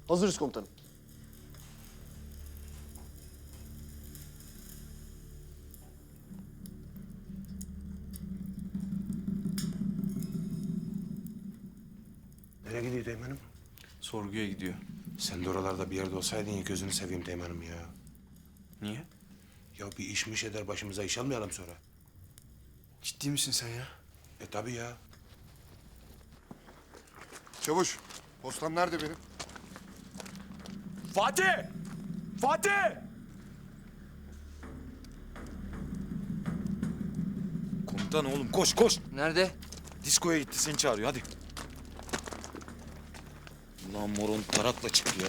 Hazırız komutanım. Nereye gidiyor Teğmen'im? Sorguya gidiyor. Sen de oralarda bir yerde olsaydın ya, gözünü seveyim Teğmen'im ya. Niye? Ya bir işmiş eder, başımıza iş almayalım sonra. Ciddi misin sen ya? Tabii ya. Çavuş, postam nerede benim? Fatih! Fatih! Komutan oğlum koş koş. Nerede? Diskoya gitti seni çağırıyor hadi. Ulan moron tarakla çık ya.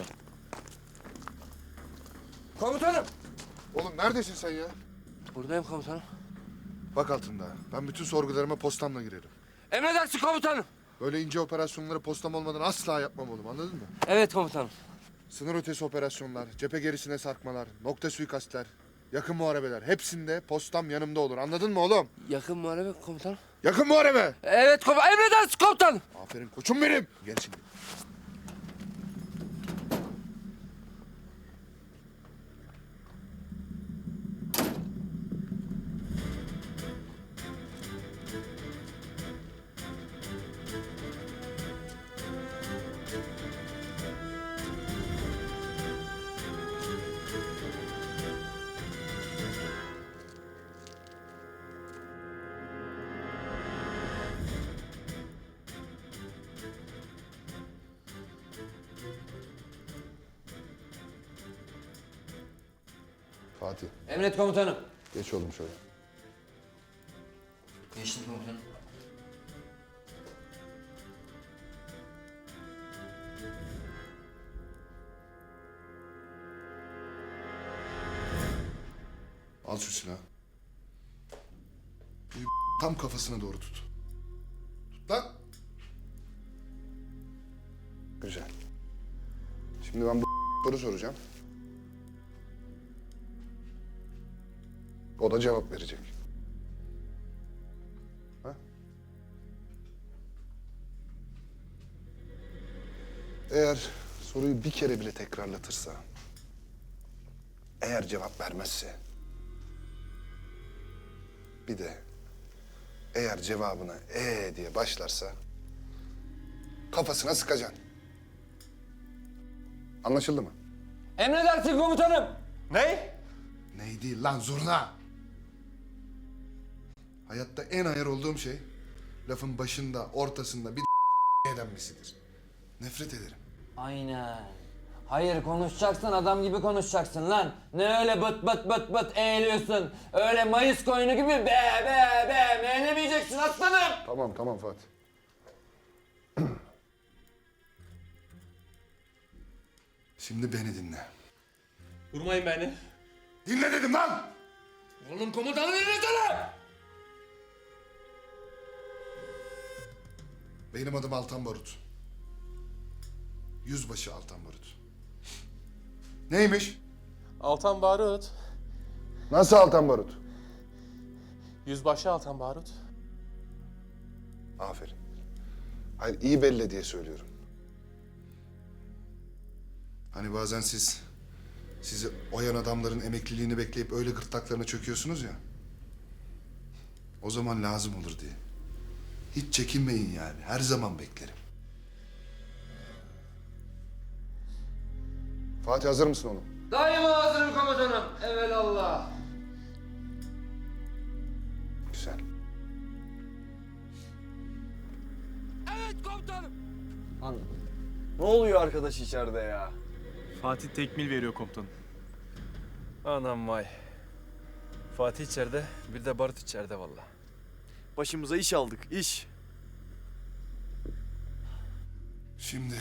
Komutanım. Oğlum neredesin sen ya? Buradayım komutanım. Bak altında. Ben bütün sorgularıma postamla girerim. Emredersin komutanım. Böyle ince operasyonları postam olmadan asla yapmam oğlum, anladın mı? Evet komutanım. Sınır ötesi operasyonlar, cephe gerisine sarkmalar, nokta suikastler, yakın muharebeler hepsinde postam yanımda olur, anladın mı oğlum? Yakın muharebe komutanım. Yakın muharebe! Evet komutanım. Emredersin komutanım. Aferin koçum benim! Gel şimdi. Fatih, Emret komutanım. geç oğlum şöyle. Geçtim komutanım. Al şu silahı. Bu tam kafasına doğru tut. Tut lan! Güzel. Şimdi ben bu soru soracağım. O da cevap verecek. Ha? Eğer soruyu bir kere bile tekrarlatırsa, eğer cevap vermezse, bir de eğer cevabına diye başlarsa kafasına sıkacaksın. Anlaşıldı mı? Emredersin komutanım. Ne? Ney değil lan, zurna. Hayatta en ayar olduğum şey lafın başında, ortasında bir denmesidir. Nefret ederim. Aynen. Hayır konuşacaksın adam gibi konuşacaksın lan. Ne öyle bıt bıt bıt bıt eğiliyorsun. Öyle mayıs koyunu gibi be meylemeyeceksin aslanım. Tamam Fatih. Şimdi beni dinle. Vurmayın beni. Dinle dedim lan! Oğlum komutanı dinlesene. Benim adım Altan Barut. Yüzbaşı Altan Barut. Neymiş? Altan Barut. Nasıl Altan Barut? Yüzbaşı Altan Barut. Aferin. Hayır, iyi belli diye söylüyorum. Hani bazen sizi oyan adamların emekliliğini bekleyip öyle gırtlaklarına çöküyorsunuz ya. O zaman lazım olur diye. Hiç çekinmeyin yani. Her zaman beklerim. Fatih hazır mısın oğlum? Daima hazırım komutanım. Evelallah. Güzel. Evet komutanım. Ne oluyor arkadaş içeride ya? Fatih tekmil veriyor komutanım. Anam vay. Fatih içeride, bir de Barut içeride vallahi. Başımıza iş aldık, iş. Şimdi...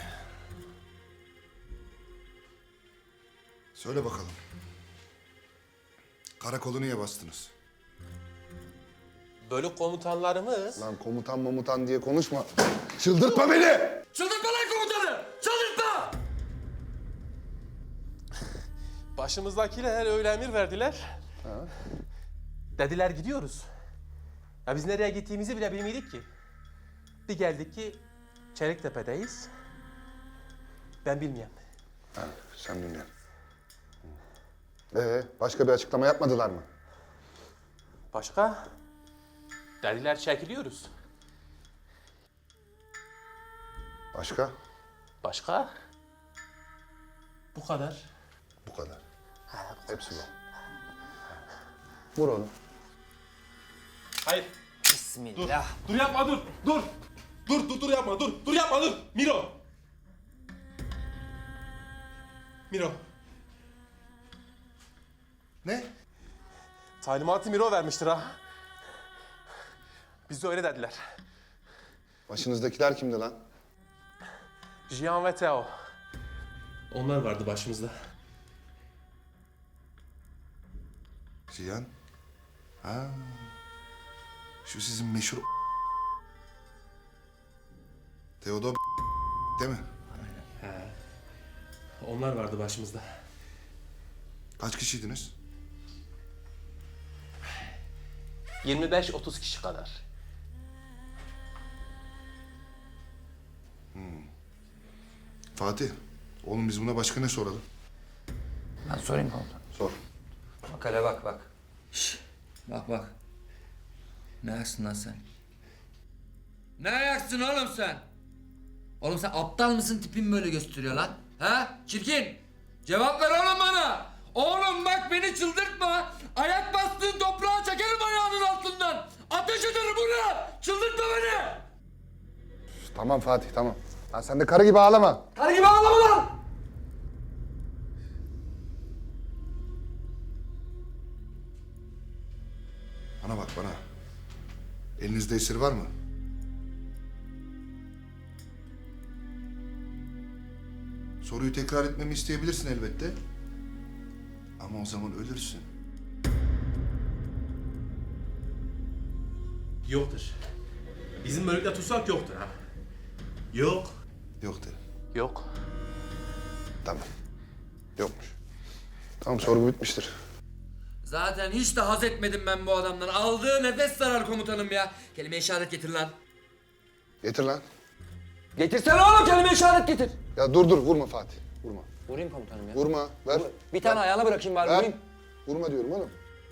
Söyle bakalım. Karakolu niye bastınız? Bölük komutanlarımız Lan komutan mamutan diye konuşma. Çıldırtma beni! Çıldırtma lan komutanı. Çıldırtma. başımızdakiler öyle emir verdiler. Dediler gidiyoruz. Ya biz nereye gittiğimizi bile bilmiyorduk ki. Bir geldik ki Çeliktepe'deyiz. Ben bilmiyorum. Ha, sen bilmiyorsun. Başka bir açıklama yapmadılar mı? Başka? Dediler çekiliyoruz. Başka? Başka? Bu kadar. Bu kadar. Hepsi bu. Vur onu. Hayır. Bismillah. Dur yapma dur. Dur. Dur yapma dur. Dur yapma dur. Miro. Miro. Ne? Talimatı Miro vermiştir ha. Biz de öyle dediler. Başınızdakiler kimdi lan? Jian ve Teo. Onlar vardı başımızda. Cihan. Ha. Şu sizin meşhur Teodor değil mi? Onlar vardı başımızda. Kaç kişiydiniz? 25-30 kişi kadar. Fatih. Oğlum biz buna başka ne soralım? Ben sorayım komutanım. Sor. Bak hele bak bak. Şş, bak bak. Ne ayaksın lan sen? Ne ayaksın oğlum sen? Oğlum sen aptal mısın, tipin böyle gösteriyor lan? Ha? Çirkin! Cevap ver oğlum bana! Oğlum bak beni çıldırtma! Ayak bastığın toprağa çekerim ayağının altından! Ateş ederim ulan! Çıldırtma beni! Tamam Fatih tamam. Lan sen de karı gibi ağlama. Karı gibi ağlama lan! Bana bak bana. Elinizde esir var mı? Soruyu tekrar etmemi isteyebilirsin elbette. Ama o zaman ölürsün. Yoktur. Bizim bölükte tutsak yoktur ha. Yok. Yok de. Yok. Tamam. Yokmuş. Tamam sorgu bitmiştir. Zaten hiç de haz etmedim ben bu adamdan. Aldığı nefes zarar komutanım ya. Kelime işaret getir lan. Getir lan. Getirsene oğlum, kelime işaret getir. Ya dur vurma Fatih. Vurma. Vurayım komutanım ya. Vurma. Ver. Bir tane ayağına bırakayım bari, Ver. vurayım. Vurma diyorum oğlum.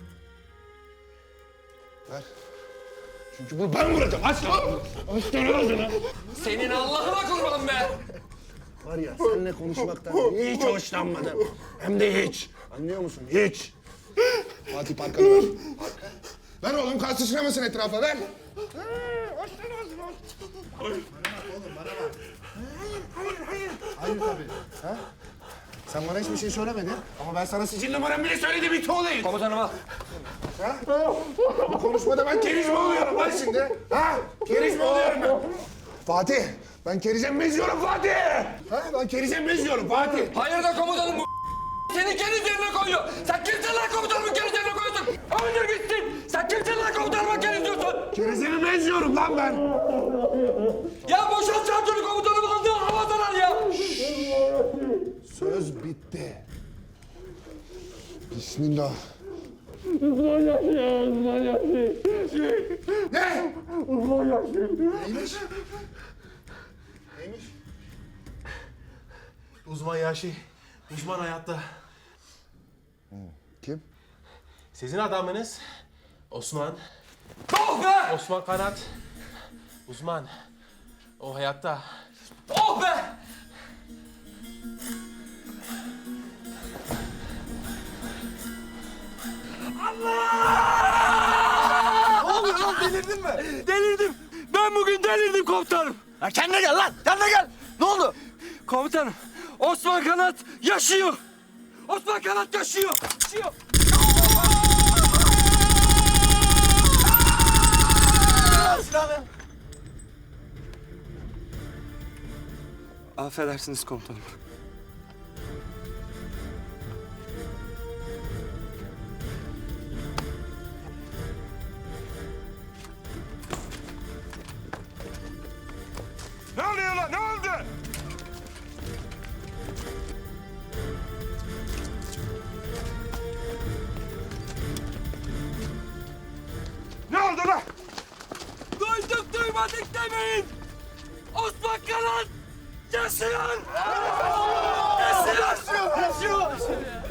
Ver. Çünkü bunu ben vuracağım. Aç lan. Senin Allah'ına kurban be. Var ya seninle konuşmaktan hiç hoşlanmadım. Hem de hiç. Anlıyor musun? Hiç. Fatih parkanı ver. Ver oğlum kan sıçramasın etrafa ver. Hayır tabii. Ha? Sen bana hiçbir şey söylemedin ama ben sana sicil numaramı bile söyledim it olayım. Komutanım al. Bu konuşmada ben keriz mi oluyorum lan şimdi? Ha? Keriz mi oluyorum ben? Fatih, ben kerizem beziyorum Fatih. Ha? Ben kerizem beziyorum Fatih. Hayır da komutanım bu seni keriz yerine koyuyor. Sen kimsin lan komutanımı keriz yerine koyuyorsun? Öldür gitsin. Sen kimsin lan komutanımı keriz diyorsun? Kerizimi beziyorum lan ben. Ya boşalt çarptığını komutanım, aldığı havadan al ya. Söz bitti. Bismillah. Ne? Neymiş? Neymiş? Uzman Yaşı. Uzman hayatta. Kim? Sizin adamınız Osman. Oh be! Osman Kanat. Uzman. O hayatta. Oh be! Delirdim. Ben bugün delirdim komutanım. Ya kendine gel lan! Kendine gel! Ne oldu? Komutanım, Osman Kanat yaşıyor. Osman Kanat yaşıyor. Yaşıyor. Affedersiniz komutanım. Ne oluyor lan? Ne oldu? Ne oldu lan? Duyduk duymadık demeyin. Osman Kanat Gelsin lan! Gelsin lan!